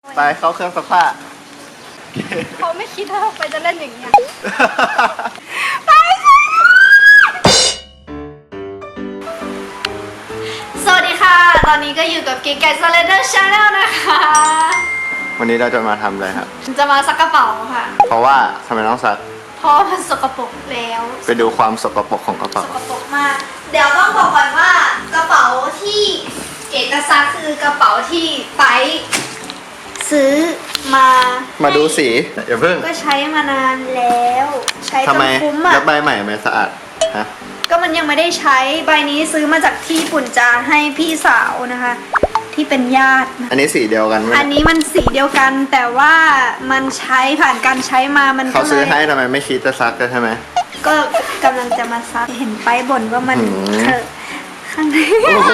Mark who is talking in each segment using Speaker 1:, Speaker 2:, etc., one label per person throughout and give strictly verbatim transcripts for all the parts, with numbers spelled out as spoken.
Speaker 1: ไปเข้าเครื่องซักผ้า
Speaker 2: เขาไม่คิดว่าไปจะเล่นอย่างเงี้ยไปสวัสดีค่ะตอนนี้ก็อยู่กับกิ๊กไก่สไลเดอร์ชาแนลนะคะ
Speaker 1: วันนี้เราจะมาทำอะไรครับ
Speaker 2: จะมาซักกระเป๋าค่ะ
Speaker 1: เพราะว่าทำไมต้องซัก
Speaker 2: เพราะมันสกปรกแล้ว
Speaker 1: ไปดูความสกปรกของกระเป๋า
Speaker 2: สกปรกมากเดี๋ยวต้องบอกก่อนว่ากระเป๋าที่เก๋จะซักคือกระเป๋าที่ไปซื้อมา
Speaker 1: มาดูสีอย่าเพิ่ง
Speaker 2: ก็ใช้มานานแล้วใช้จนคุ้มอ่ะ
Speaker 1: แล้วใบใหม่ไม่สะอาดฮะ
Speaker 2: ก็มันยังไม่ได้ใช้ใบนี้ซื้อมาจากที่ญี่ปุ่นจะให้พี่สาวนะคะที่เป็นญาติ
Speaker 1: อันนี้สีเดียวกันไหม
Speaker 2: อันนี้มันสีเดียวกันแต่ว่ามันใช้ผ่านการใช้มามัน
Speaker 1: เขาซื้อให้ทำไมไม่คิดจะซักกันใช่ไหม
Speaker 2: ก็กำลังจะมาซักเห็นไปบ่นว่ามันเถอะข้างใน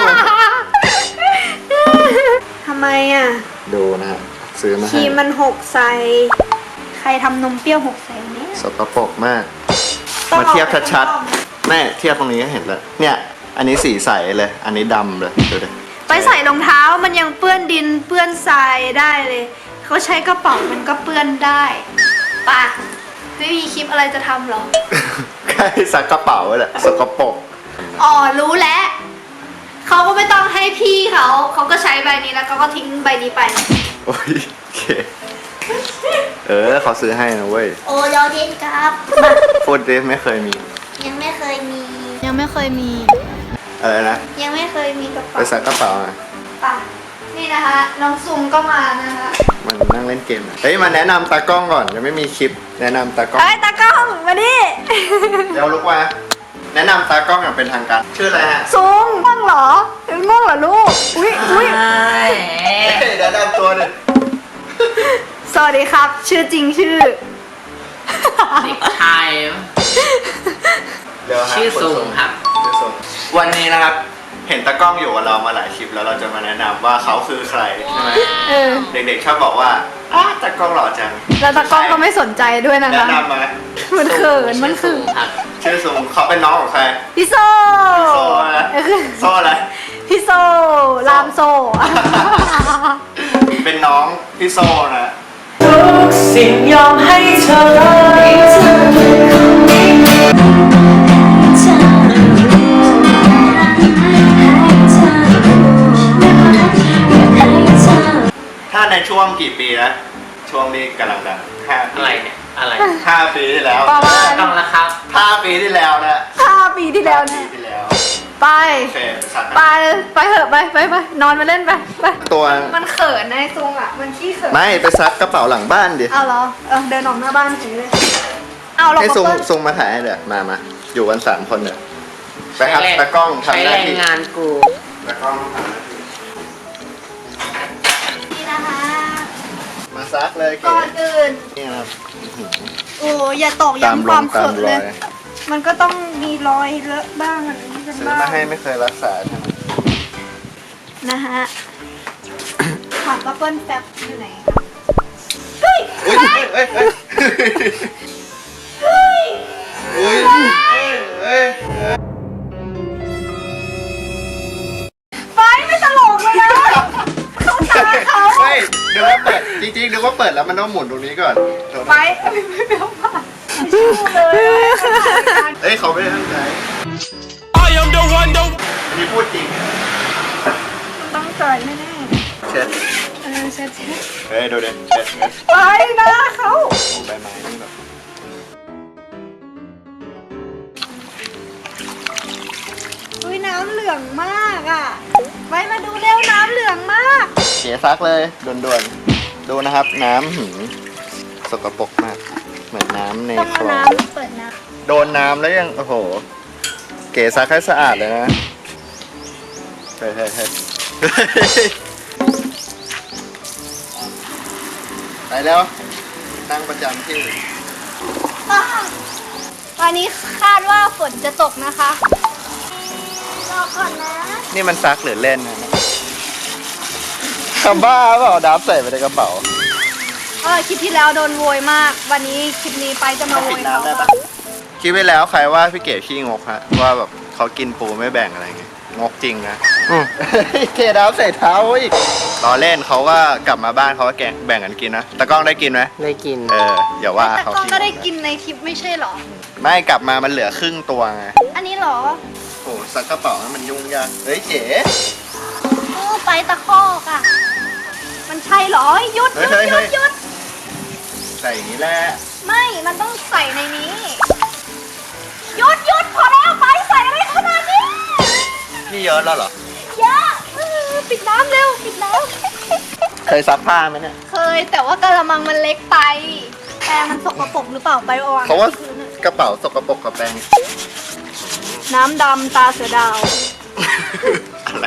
Speaker 2: ทำไมอ่ะ
Speaker 1: ดูนะฮะซื้อมาให้
Speaker 2: ครีมมันหกใส่ใครทำนมเปรี้ยวหกใส่เนี่ย
Speaker 1: สกปรกมากมาเทียบชัดๆแม่เทียบตรงนี้ก็เห็นแล้วเนี่ยอันนี้สีใสเลยอันนี้ดำเลยดูดิ
Speaker 2: ไปใส่รองเท้ามันยังเปื้อนดินเปื้อนทรายได้เลยเขาใช้กระเป๋ามันก็เปื้อนได้ปะไม่มีคลิปอะไรจะทำหรอ
Speaker 1: แค่ซักกระเป๋าแหละสกปรก
Speaker 2: อ๋อรู้แล้วเขาก็ไม่ต้องให้พี่เขาเขาก็ใช้ใบนี้แล้วเขาก็ทิ้งใบนี้ไป
Speaker 1: โอ้ยโอเคเออเขาซื้อให้นะเว้ย
Speaker 2: โอ้ยอดเย็นครับ
Speaker 1: ฟูดเดสไม่เคยมี
Speaker 2: ยังไม่เคยมียังไม่เคยมี
Speaker 1: อะไรนะ
Speaker 2: ยังไม่เคยมีกระเป๋า
Speaker 1: ไปซักกระเป๋าอ่ะ
Speaker 2: ป่ะนี่นะคะน้องซุงก็มานะคะ
Speaker 1: มันนั่งเล่นเกมเฮ้ยมาแนะนำตากล้องก่อนยังไม่มีคลิปแนะนำตากล้อง
Speaker 2: เฮ้ยตากล้องมาดิ
Speaker 1: เดี๋ยวลุกมาแนะนำตากล้องอย่างเป็นทางการชื่ออะไรฮะ
Speaker 2: ซุงง่วงเหรอง่วงเหรอลูกอุ้ยอุ้ย
Speaker 1: แนะนำตัวหนึ่ง
Speaker 2: สวัสดีครับชื่อจริงชื่อ
Speaker 3: เด็กชายชื่อซุงครับ
Speaker 1: ชื่อซุงวันนี้นะครับเห็นตากล้องอยู่กับเรามาหลายคลิปแล้วเราจะมาแนะนำว่าเขาคือใครใช่ไหมเด็กๆชอบบอกว่าอ้าตากล้องหล่อจัง
Speaker 2: แล้วตากล้องก็ไม่สนใจด้วยนะคะ
Speaker 1: แนะนำมา
Speaker 2: มันเขินมันเขิน
Speaker 1: ชื่อซุงเขาเป็นน้องของใคร
Speaker 2: พี่โซ
Speaker 1: พี่โซอะไรโซอะไร
Speaker 2: พี่โซลามโซ
Speaker 1: เป็นน้องพี่โซนะ
Speaker 3: ทุกสิ่งยอมให้เธอ
Speaker 1: ถ้าในช่วงกี่ปีนะช่วงนี้กำลังดังห้า
Speaker 3: อะไรเนี่ยอะไร
Speaker 1: ห้าปีที่แล้ว
Speaker 3: ต้องละครับ
Speaker 1: ห้าปีที่แล้วนะ
Speaker 2: ห้าปีที่แล้วเนี่ยไปไปไปเถอะไปไปไปนอนมาเล่นไปไป
Speaker 1: ตัว
Speaker 2: มันเขินนายซุงอ่ะมันขี้เขิน
Speaker 1: ไม่ไปซักกระเป๋าหลังบ้านดิ
Speaker 2: เอาเหรอเออเดินออกหน้าบ้านเฉยเลยเอาเรา
Speaker 1: ให้ซุงซุงมาถ่ายให้เดี๋ยวมามาอยู่กันสามคนเดี๋ยวไปครับตากล้องทำหน้าที่
Speaker 3: งานกู
Speaker 1: ตากล้องทำหน้าที่
Speaker 2: นี่นะคะ
Speaker 1: มาซักเลย
Speaker 2: ก่อนอื่น
Speaker 1: นี่ครับ
Speaker 2: โอ้อย่าตอกย้ำความเขินเลยมันก็ต้องมีรอยเลอะบ้างอะไรนี้กัน
Speaker 1: ซื้อ
Speaker 2: บ้าง
Speaker 1: มาให้ไม่เคยรักษาใช่ไหม
Speaker 2: นะฮะถามว่าเปิ้ลแป๊บอยู่ไหนเฮ้ย
Speaker 1: เฮ้ยเฮ้ยเฮ้ยเฮ้ยเฮ้ยเฮ้ย
Speaker 2: ไฟไม่ตลกเลยนะเขาตาเขา
Speaker 1: เฮ้ยเดี๋ยวว่าเปิดจริงๆเดี๋ยวว่าเปิดแล้วมันต้องหมุนตรงนี้ก่อน
Speaker 2: ไฟไม่ไม่ไม่เอาผ่านเลย
Speaker 1: เอ้ยเขาไม่ได้ตั้งใจมีพูดจริง
Speaker 2: ตั้งใจแน่
Speaker 1: ๆเช็ด
Speaker 2: เออเช็ดเช็ด
Speaker 1: เฮ้ยดูดิเช็ดเช็ด
Speaker 2: ไปนะเขา
Speaker 1: ใบไม้นี่แบบ
Speaker 2: อุ้ยน้ำเหลืองมากอ่ะไว้มาดูเร็วน้ำเหลืองมาก
Speaker 1: เสียซักเลยด่วนๆดูนะครับน้ำหืมสกปรกมากเหมือนน้ำในคลอง
Speaker 2: เปิดน้
Speaker 1: ำโดนน้ำแล้วยังโอ้โหเก๋ซักให้สะอาดเลยนะเฮ้ยเฮ้ยเฮ้ยไปแล้วนั่งประจำที่
Speaker 2: วันนี้คาดว่าฝนจะตกนะคะรอก่อนนะ
Speaker 1: นี่มันซักหรือเล่นนะคำบ้าเปล่าดับใส่ไปในกระเป๋า
Speaker 2: เออคลิปที่แล้วโดนโวยมากวันนี้คลิปนี้ไปจะมาโวยเขา
Speaker 1: คลิปไปแล้วใครว่าพี่เก๋ขี้งกฮะว่าแบบเขากินปูไม่แบ่งอะไรเงี้ยงกจริงนะ
Speaker 3: อืม
Speaker 1: เทน้ำใส่เท้าอีกล้อเล่นเขาก็กลับมาบ้านเขาก็แกงแบ่งกันกินนะตะกล้องได้กินไหม
Speaker 3: ได้กิน
Speaker 1: เอออย่าว่า
Speaker 2: แต่
Speaker 1: เขา
Speaker 2: กล้อง
Speaker 1: สิ
Speaker 2: ก็ได้กินในคลิปไม่ใช่เหรอ
Speaker 1: ไม่กลับมามันเหลือครึ่งตัวไง
Speaker 2: อันนี้เหรอ
Speaker 1: โอ้ซักกระเป๋านั้นมันยุ่งยากเฮ้ยเจ๋
Speaker 2: โอ้ไปตะคอกอ่ะ มันใช่เหรอหยุดห
Speaker 1: เฮ้
Speaker 2: ยุ
Speaker 1: ย
Speaker 2: ด
Speaker 1: เฮ้ย
Speaker 2: หยุ
Speaker 1: เฮ้
Speaker 2: ด
Speaker 1: ย
Speaker 2: หยุด
Speaker 1: ใส่อย่างนี้แหละ
Speaker 2: ไม่ มันต้องใส่ในนี้หยุดหยุดพอแล้วไปใส่อะไรขนาดนี้
Speaker 1: นี่เยอะแล้วเหรอ
Speaker 2: เยอะเออปิดน้ำเร็วปิดน้
Speaker 1: เคยซักผ้าไหมเนี่ย
Speaker 2: ำเคยแต่ว่ากระมังมันเล็กไปแปรงมันสกปรกหรือเปล่าไปเอาวาง
Speaker 1: เขาว่ากระเป๋าสกปรกกับแปรง
Speaker 2: น้ำดำตาเสือดาว
Speaker 1: อะไร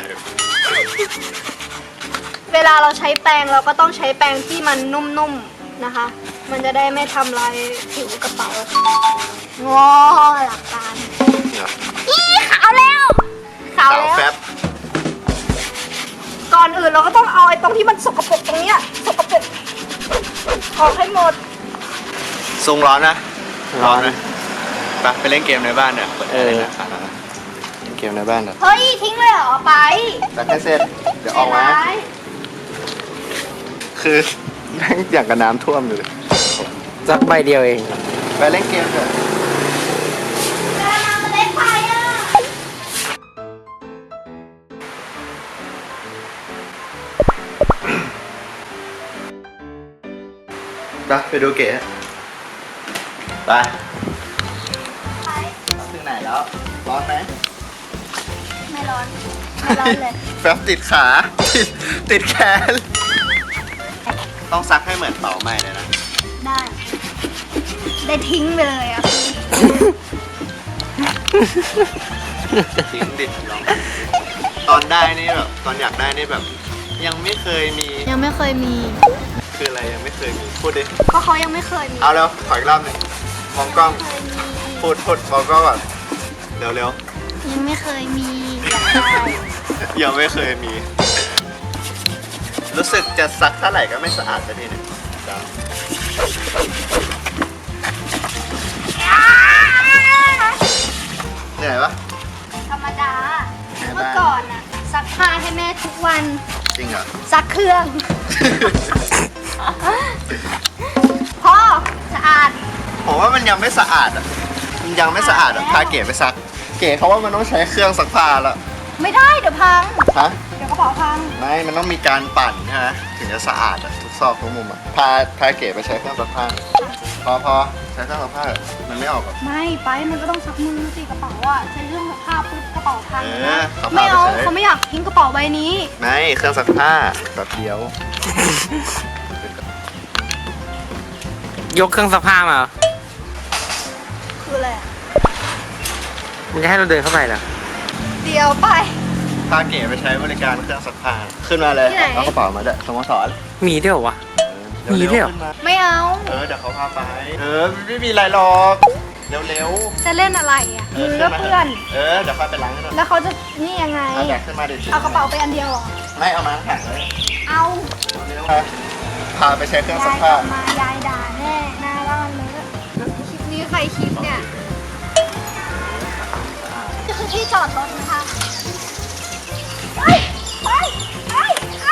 Speaker 2: เวลาเราใช้แปรงเราก็ต้องใช้แปรงที่มันนุ่มๆนะคะ มันจะได้ไม่ทำลายผิวกระเป๋างอหลักการ
Speaker 1: เนี่ย
Speaker 2: อีขาวแล้วขาว
Speaker 1: สาว
Speaker 2: แล้ว
Speaker 1: แฟบ
Speaker 2: ก่อนอื่นเราก็ต้องเอาไอ้ตรงที่มันสกปรกตรงเนี้ยสกปรกออกให้หมด
Speaker 1: ซุงร้อนนะ
Speaker 3: ร้อน
Speaker 1: ไหมไปไปเล่นเกมในบ้านเนี่ยเปิดแอร์เลยนะเล่นเกมในบ้านเถอะ
Speaker 2: เฮ้ยทิ้งเลยเหรอไป
Speaker 1: แต่แค่เสร็จเดี๋ยวออกมา
Speaker 2: ใจร้ย
Speaker 1: คือแม่งอย่างกับน้ำท่วมอยู่เลย
Speaker 3: สักใบเดียวเอง
Speaker 1: ไปเล่นเกมเถอะ
Speaker 2: กระมังมันเล็กไปอ่ะ
Speaker 1: ไปไปดูเก๋ไป
Speaker 2: ไป
Speaker 1: ถึงไหนแล้ว ร้อนไหม
Speaker 2: ไม่ร้อนไม่ร้อนเลย
Speaker 1: แฟบติดขา ติดติดแขน ต้องซักให้เหมือนเป่าไหม้เลยนะ
Speaker 2: ได้ ได้ทิ้งไปเลยอ่ะ
Speaker 1: ทิ้งดิลองตอนได้นี่แบบตอนอยากได้นี่แบบ ยังไม่เคยมี
Speaker 2: ยังไม่เคยมี
Speaker 1: คืออะไรยังไม่เคยมี พูดดิ
Speaker 2: ก็เขายังไม่เคยมี
Speaker 1: เอาแล้วขออีกรอบหนึ่งมองกล้อง
Speaker 2: เคยมี
Speaker 1: พูดพูดมองกล้องก่อนเร็วเร็ว
Speaker 2: ยังไม่เคยมีอยากได้
Speaker 1: ๆยังไม่เคยมี รู้สึกจะซักเท่าไหร่ก็ไม่สะอาดสักทีหนึงจ้าเหนื่อยปะ
Speaker 2: ธรรมดา
Speaker 1: แม่บ้าน
Speaker 2: เมื่อก่อนอะซักผ้าให้แม่ทุกวัน
Speaker 1: จริงเหรอ
Speaker 2: ซักเครื่อง พ่อสะอาด
Speaker 1: ผมว่ามันยังไม่สะอาดอ่ะ มันยังไม่สะอาดอ่ะ พาเก๋ไปซัก เก๋เขาว่ามันต้องใช้เครื่องซักผ้าแล้ว
Speaker 2: ไม่ได้เดี๋ยวพัง
Speaker 1: ฮะ
Speaker 2: เดี๋ยวกระเป๋าพัง
Speaker 1: ไม่ มันต้องมีการปั่นใช่ไหมถึงจะสะอาดอ่ะ ทุกซอกทุกมุมอ่ะ พา พาเก๋ไปใช้เครื่องซักผ้าหน่อยพอพอใช้เครื่องซักผ้าเถอะมันไม่ออกหรอก
Speaker 2: ไม่ไปมันก็ต้องซักมือสิกระเป๋าอะใช้เครื่องซักผ้าปุ๊บกระเป๋าพัง
Speaker 1: เอ
Speaker 2: นะ
Speaker 1: อเขาพา
Speaker 2: ไม่เอา
Speaker 1: ไปใช้
Speaker 2: เขาไม่อยากทิ้งกระเป๋าใบนี้
Speaker 1: ไม่เครื่องซักผ้าแบบเดียว
Speaker 3: ยกเครื่องซักผ้ามาเหรอ
Speaker 2: คืออะไรอะ
Speaker 3: มันจะให้เราเดินเข้าไปเหรอ
Speaker 2: เดี๋ยวไป
Speaker 1: พาเก๋ไปใช้บริการเครื่องซักผ้า ขึ้นมาเลย
Speaker 2: ที่ไหน
Speaker 1: เอากระเป๋ามาด้วยสโมสร
Speaker 3: มีด้วยเหรอวะ
Speaker 1: เร็วๆ
Speaker 3: มีด้วยเหรอ
Speaker 1: ขึ้นมา
Speaker 2: ไม่เอา
Speaker 1: เออเดี๋ยวเขาพาไป เออไม่มีอะไรหรอก เร็ว
Speaker 2: จะเล่นอะไรอะ
Speaker 1: ๆ
Speaker 2: มือก็เพื่อน
Speaker 1: เออเดี๋ยวค่อยไปล้างให้หน่อย
Speaker 2: แล้วเขาจะนี่ยังไง
Speaker 1: เอาแบกขึ้นมาดิ
Speaker 2: เอากระเป๋าไปอันเดียวเหรอ
Speaker 1: ไม่เอามาทั้งแข็งเลย
Speaker 2: เอา
Speaker 1: เร็วๆพาไปใช้เครื่องซั
Speaker 2: ยาก ยก
Speaker 1: ผ้า
Speaker 2: ลับมายายด่าแน่หน้าบ้านเลยคลิปนี้ใครคลิปเนี่ยนี่คือที่จอดรถนะคะไปไปไปไป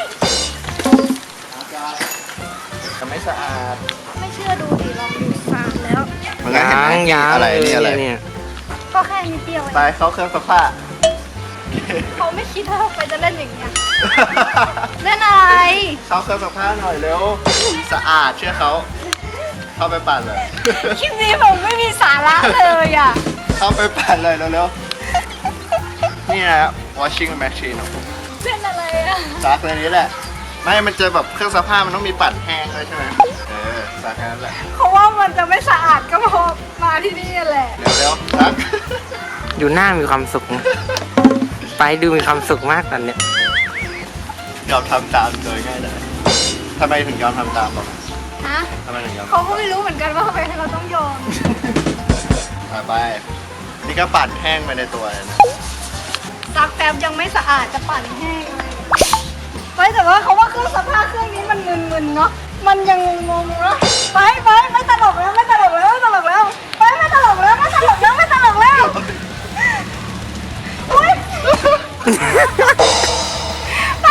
Speaker 1: จะไม่สะอาด
Speaker 2: ไม่เชื่อดูดิลองดูสามแล้ว
Speaker 1: มันก็เห็นไหม
Speaker 3: ยัง
Speaker 1: อะไรนี่อะไร
Speaker 3: เนี่ย
Speaker 2: ก็แค่นิดเดียวเอ
Speaker 1: ไป
Speaker 2: ง
Speaker 1: เข้าเครื่องซักผ้า
Speaker 2: เขาไม่คิดว่าไปจะเล่นอย่างเงี้ยเล่นอะไร
Speaker 1: เข้าเครื่องซักผ้าหน่อยเร็ว สะอาดเชื่อเขา เข้าไปปั่นเลย
Speaker 2: คลิปนี้ผมไม่มีสาระเลยอ่ะ
Speaker 1: เข้าไปปั่นเลยเร็วๆ นี่นะ washing machine ของผม
Speaker 2: เล่นอะไรอ่ะ
Speaker 1: ซักในนี้แหละ ไม่ มันจะแบบเครื่องซักผ้ามันต้องมีปั่นแห้งด้วยใช่ไหมเออซักแค่นั้นแหละ
Speaker 2: เพราะว่ามันจะไม่สะอาดก็พอมาที่นี่แหละ
Speaker 1: เร็วๆซัก
Speaker 3: อยู่หน้ามีความสุขนะไปดูมีความสุขมากตอนเนี้ย
Speaker 1: ยอมทำตามโดยง่ายดายทำไมถึงยอมทำตามบอก
Speaker 2: ฮะ
Speaker 1: ทำไมถึงยอม
Speaker 2: เขาก็ไม่รู้เหมือนกันว่าทำไมเราต้องยอม
Speaker 1: ไปไป นี่ก็ปั่นแห้งไปในตัวเลยนะ
Speaker 2: ซักแป๊บยังไม่สะอาดจะปั่นแห้งเลยไปแต่ว่าเขาว่าเครื่องซักผ้าเครื่องนี้มันมึนๆเนาะ มันยังงงๆเนาะ ไปไปไม่ตลกแล้วไม่ตลกแล้วไม่ตลกแล้ว ไปไม่ตลกแล้วไม่ตลกแล้วไม่ตลกแล้วอุ้ยไป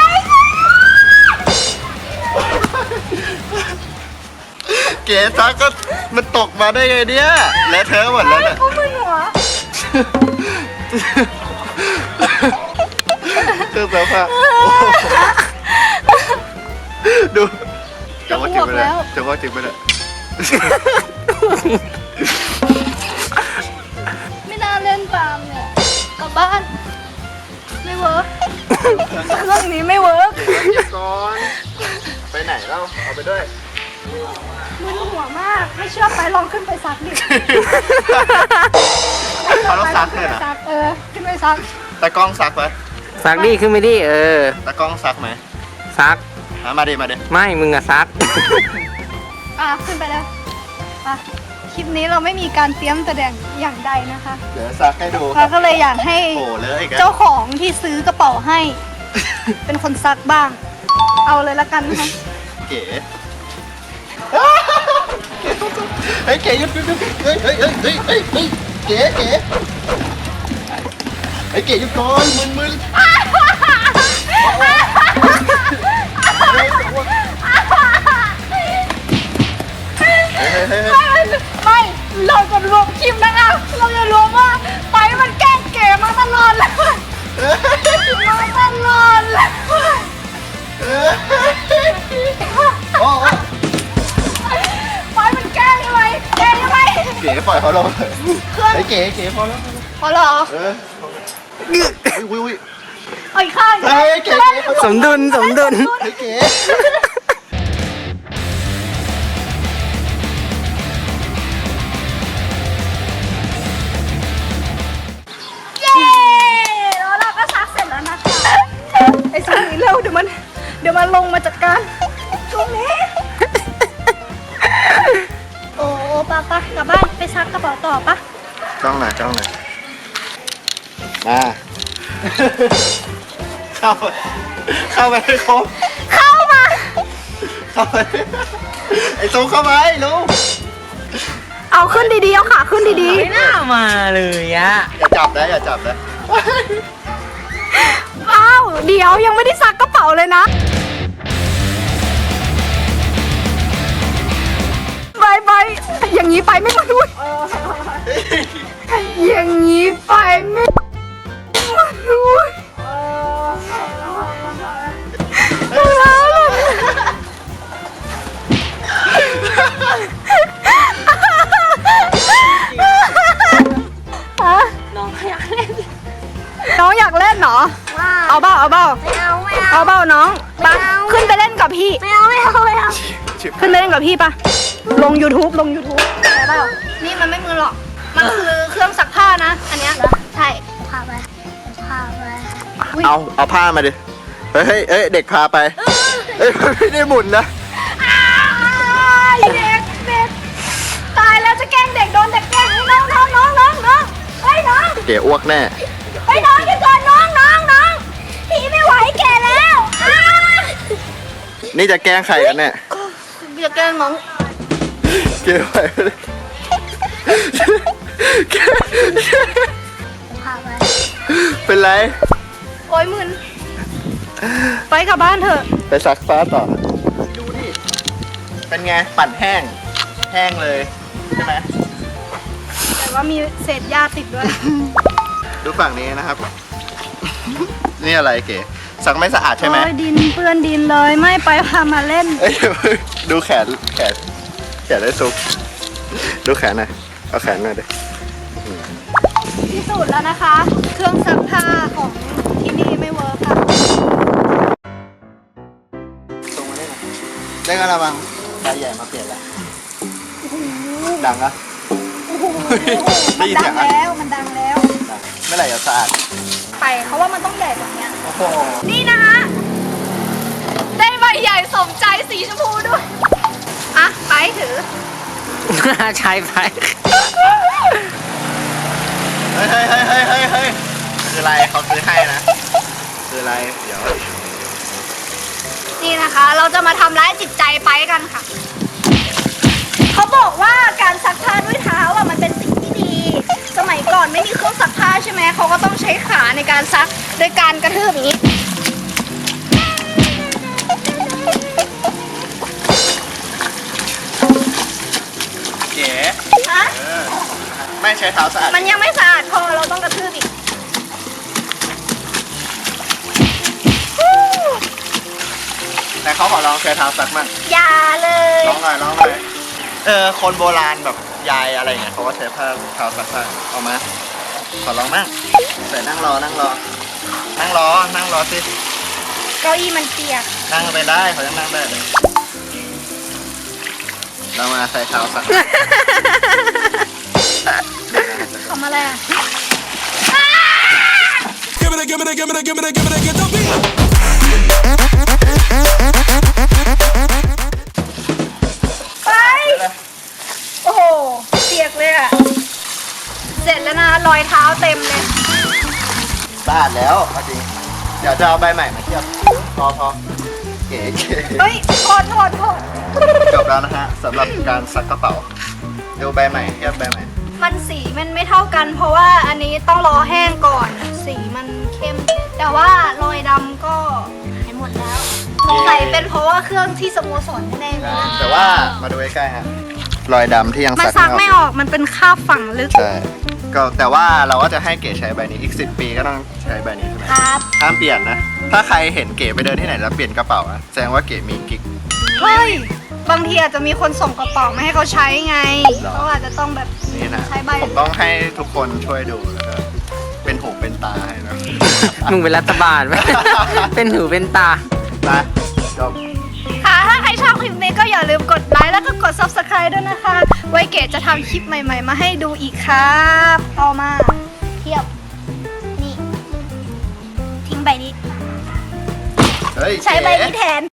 Speaker 1: เก๋ซักก็มันตกมาได้ไงเนี่ยและเธอหมดแล้วเนี่ย
Speaker 2: เขามึนหัว
Speaker 1: เครื่องซักผ้าดูจะว่าจริงไปเลยจะว่าจริงไปเลย
Speaker 2: ไม่น่าเล่นตามเนี่ยกลับบ้านไม่เวิร์กเรื่องนี้ไม่เวิร์ก
Speaker 1: หยุดก่อนไปไหนเล่าเอาไปด้วย
Speaker 2: มึนหัวมากไม่เชื่อไปลองขึ้นไปซักดิ
Speaker 1: เขาต้องซักเลยนะ
Speaker 2: ซักเออขึ้นไปซัก
Speaker 1: ตากล้องซักไหม
Speaker 3: ซักดิขึ้นไปดิเออ
Speaker 1: ตากล้องซักไหม
Speaker 3: ซัก
Speaker 1: อ่ะมาดิมาดิ
Speaker 3: ไม่มึงอะซัก
Speaker 2: อ่ะขึ้นไปแล้วอ่ะคลิปนี้เราไม่มีการเตรียมแสดงอย่างใดนะคะ
Speaker 1: เดี๋ยวซักให้ดู
Speaker 2: เราก็เลยอยากให้
Speaker 1: โอ้เลยอีกแล้ว
Speaker 2: เจ้าของที่ซื้อกระเป๋าให้ เป็นคนซักบ้าง เอาเลยละกันนะคะ
Speaker 1: เก๋เฮ้ยเก๋หยุดหยุดหยุดเฮ้ยเฮ้ยเฮ้ยเฮ้ยเฮ้ยเฮ้ยเก๋เก๋เฮ้ยเก๋หยุดก่อนมึนมึนเฮ้ยเฮ้ยเฮ้ย
Speaker 2: ไม่ไม่เราจะรวมคลิปนะคะเราจะรวมว่าไปมันแกล้งเก๋มาตลอดเลยมาตลอดเลย
Speaker 1: โอ้
Speaker 2: ไปมันแกล้งใช่ไหมแกล้งใช่ไหม
Speaker 1: เก๋ปล่อยเขาลง
Speaker 2: เครื่อง
Speaker 1: ไอ้เก๋เก๋พอแล้ว
Speaker 2: พอเหรอ
Speaker 1: เอออุ้ยอุ้ย
Speaker 2: เอาอีกข้าง
Speaker 1: เฮ้ยเก๋เก๋
Speaker 3: สมดุลสมดุล
Speaker 1: เฮ้ยเก๋
Speaker 2: เย้แล้วเราก็ซักเสร็จแล้วนะคะไอ้ช่วงนี้เร็วเดี๋ยวมันเดี๋ยวมันลงมาจัดการช่วงนี้โอ้ปะปะกลับบ้านไปซักกระเป๋าต่อปะ
Speaker 1: จ้องหน่อยจ้องหน่อยมาเข้าไปเข้าไปให้ครบ
Speaker 2: เข้ามา
Speaker 1: เข้าไปไอ้ซูเข้าไปลูก
Speaker 2: เอาขึ้นดีๆเอาขาขึ้นดี
Speaker 3: ไม่น่ามาเลยอะ
Speaker 1: อย่าจับนะอย่าจับนะ
Speaker 2: ๆอ้าวเดี๋ยวยังไม่ได้ซักกระเป๋าเลยนะไปไปอย่างนี้ไปไม่มาด้วยอย่างนี้ไปไม่มาด้วยน้องอยากเล่นน้องอยากเล่นเหรอเอาเบ้าเอาเบ้า
Speaker 4: ไม่เอาไม่เอา
Speaker 2: เอาเบ้าน้องไป
Speaker 4: ไม่เอา
Speaker 2: ขึ้นไปเล่นกับพี่
Speaker 4: ไม่เอาไม่เอาไม่เอา
Speaker 2: ขึ้นไปเล่นกับพี่ปะลง YouTube ลง YouTube ได้เปล่านี่มันไม่มือหรอก มันคือเครื่องซักผ้านะ อันเนี้ยใช่
Speaker 4: พาไปพาไป
Speaker 1: เอาเอาผ้ามาดิเฮ้ยเฮ้ยเอ้ยเด็กพาไปเอ้ยไม่ได้หมุนนะ
Speaker 2: อ้ายเด็กเด็กตายแล้วจะแกล้งเด็กโดนเด็กแกล้งให้น้องน้องน้องน้องน้องเฮ้ยน้อง
Speaker 1: เก๋อ้วกแน่
Speaker 2: เฮ้ยน้องอย่าก่อนน้องน้องน้องพี่ไม่ไหวแก่แล้วอ้า
Speaker 1: นี่จะแกล้งใครกันเนี่ย
Speaker 2: อย่าแกล้งน้อง
Speaker 1: เก๋ไปเลย
Speaker 4: พาไป
Speaker 1: เป็นไร
Speaker 2: โอ้ยมึนไปกลับบ้านเถอะ
Speaker 1: ไปซักฟ้าต่อดูดิเป็นไงปั่นแห้งแห้งเลยใช่ไหม
Speaker 2: แต่ว่ามีเศษหญ้าติดด้วย
Speaker 1: ดูฝั่งนี้นะครับ นี่อะไรเก๋ซักไม่สะอาดใช่ไหม
Speaker 2: โอ้ยดินเปื้อนดินเลยไม่ไปพามาเล่น
Speaker 1: เอ้ยดูแขนแขนแขนได้ซุกดูแขนหน่อยเอาแขนหน่อยดิ
Speaker 2: พิสูจน์แล้วนะคะ เครื่องซักผ้าของที่นี่ไม่เวิร์คค่ะ
Speaker 1: ส่งมาได้ไหมได้กระมังใบใหญ่มาเปลี่ยนแล้วดังอะ ได้
Speaker 2: มัน
Speaker 1: ยิน
Speaker 2: ดั
Speaker 1: เสีย
Speaker 2: ง
Speaker 1: งอะ
Speaker 2: แล้วมันดังแล้ว
Speaker 1: ดังเมื่อไหร่จะสะอาด
Speaker 2: ไปเขาว่ามันต้องใหญ่กว่านี้
Speaker 1: โอ้โห
Speaker 2: นี่นะคะได้ใบใหญ่สมใจสีชมพูด้วยอ่ะไปถือ
Speaker 3: ใช้ไป
Speaker 1: เฮ้ยเฮ้ยเฮ้ยเฮ้ยเฮ้ยเฮ้ยคืออะไรเขาซื้อให้นะคืออะไรเดี๋ยว
Speaker 2: นี่นะคะ เราจะมาทำร้ายจิตใจไปกันค่ะ เขาบอกว่าการซักผ้าด้วยเท้าอ่ะมันเป็นสิ่งที่ดี สมัยก่อนไม่มีเครื่องซักผ้าใช่ไหมเขาก็ต้องใช้ขาในการซักโดยการกระทืบอย่างนี้
Speaker 1: เก๋
Speaker 2: ฮะ
Speaker 1: เออไม่ใช้เท้าสะอาด
Speaker 2: มันยังไม่สะอาดพอเราต้องกระทืบอีก
Speaker 1: แต่เขาขอลองใช้เท้าซักมั่ง
Speaker 2: อย่าเลย
Speaker 1: ลองหน่อยลองหน่อยเออคนโบราณแบบยายอะไรเงี้ยเขาก็ใช้ผ้าเท้าซักผ้าเอามาขอลองมั่งใส่นั่งรอนั่งรอ นั่งรอนั่งรอสิ
Speaker 2: เก้าอี้มันเปียก
Speaker 1: นั่งไปได้เขาจะนั่งได้เลยเรามาใส่เท้าซัก
Speaker 2: ทำอะไรอ่ะ
Speaker 5: Give it a, give it a, give it a, give it a, give it a, get the beat.
Speaker 2: ไป โอ้โห เปียกเลยอ่ะ เสร็จแล้วนะ รอยเท้าเต็มเลย
Speaker 1: สะอาดแล้วเอาจริงเดี๋ยวจะเอาใบใหม่มาเทียบพอพอเก๋เก๋
Speaker 2: เฮ้ยโทษโทษโทษ
Speaker 1: จบแล้วนะฮะสำหรับการซักกระเป๋าดูใบใหม่เทียบใบใหม่
Speaker 2: มันสีมันไม่เท่ากัน เพราะว่าอันนี้ต้องรอแห้งก่อน สีมันเข้ม แต่ว่ารอยดำก็หายหมดแล้วสงสัยเป็นเพราะว่าเครื่องที่สโมสรแน่ๆเลย
Speaker 1: แต่ว่ามาดูใกล้ๆฮะรอยดำที่ยัง
Speaker 2: มัน
Speaker 1: ซัก
Speaker 2: ซักไม่ออก มันเป็นคราบฝังลึก
Speaker 1: ใช่ก็แต่ว่าเราก็จะให้เก๋ใช้ใบนี้อีกสิบปีก็ต้องใช้ใบนี้ใช่ไหม
Speaker 2: ครับ
Speaker 1: ห้ามเปลี่ยนนะ ถ้าใครเห็นเก๋ไปเดินที่ไหนแล้วเปลี่ยนกระเป๋าอะแสดงว่าเก๋มีกิ๊ก
Speaker 2: เฮ้ย บางทีอาจจะมีคนส่งกระเป๋ามาให้เขาใช้ไง
Speaker 1: หรอ
Speaker 2: เขาอาจจะต้องแบบ
Speaker 1: นี่นะ
Speaker 2: ใช้ใบ
Speaker 1: ผมต้องให้ทุกคนช่วยดูแล้วก็เป็นหูเป็นตาให้นะ
Speaker 3: มึงเป็นรัฐบาลไหม เป็นหูเป็นตา
Speaker 1: นะจบ
Speaker 2: ค่ะ ถ้าใครชอบคลิปนี้ก็อย่าลืมกดไลค์แล้วก็กด ซับสไครบ์ ด้วยนะคะ ไว้เก๋จะทำคลิปใหม่ๆ มาให้ดูอีกครับต่อมาเทียบ นี่ ทิ้งใบนี้
Speaker 1: เฮ้ย
Speaker 2: ใช้ใบ
Speaker 1: เก๋
Speaker 2: นี้แทน